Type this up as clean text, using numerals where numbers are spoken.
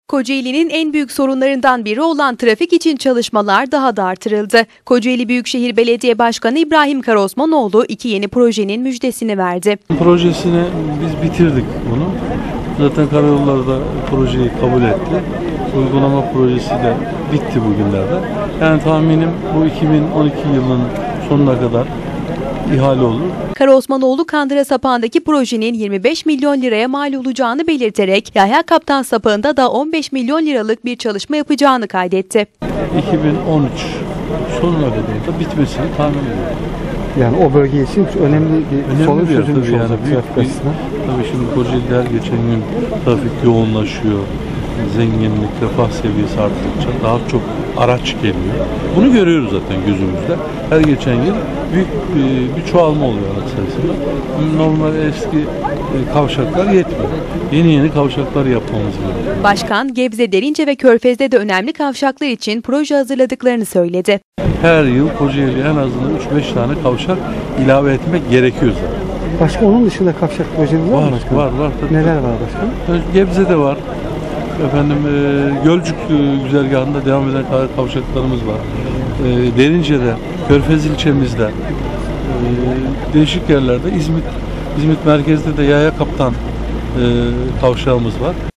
Kocaeli'nin en büyük sorunlarından biri olan trafik için çalışmalar daha da artırıldı. Kocaeli Büyükşehir Belediye Başkanı İbrahim Karaosmanoğlu iki yeni projenin müjdesini verdi. Projesini biz bitirdik bunu. Zaten Karayolları da projeyi kabul etti. Uygulama projesi de bitti bugünlerde. Yani tahminim bu 2012 yılının sonuna kadar ihale olur. Karaosmanoğlu Kandıra Sapağı'ndaki projenin 25 milyon liraya mal olacağını belirterek Yahya Kaptan Sapağı'nda da 15 milyon liralık bir çalışma yapacağını kaydetti. 2013 sonuna kadar da bitmesini tahmin ediyorum. Yani o bölge için önemli bir sorun çözülmüş olacak trafik açısından. Tabii şimdi Kocaeli'de her geçen gün trafik yoğunlaşıyor. Zenginlik, refah seviyesi arttıkça daha çok araç geliyor. Bunu görüyoruz zaten gözümüzde. Her geçen yıl büyük bir çoğalma oluyor araç sayısında. Normal eski kavşaklar yetmiyor. Yeni kavşaklar yapmamız gerekiyor. Başkan, Gebze, Derince ve Körfez'de de önemli kavşaklar için proje hazırladıklarını söyledi. Her yıl Kocaeli'ye en azından 3-5 tane kavşak ilave etmek gerekiyor zaten. Başka onun dışında kavşak projeniz var mı başkanım? Var. Tabii. Neler var başkanım? Gebze'de var. Gölcük güzergahında devam eden kavşaklarımız var. Derince'de, Körfez ilçemizde, değişik yerlerde, İzmit merkezde de Yahya Kaptan kavşağımız var.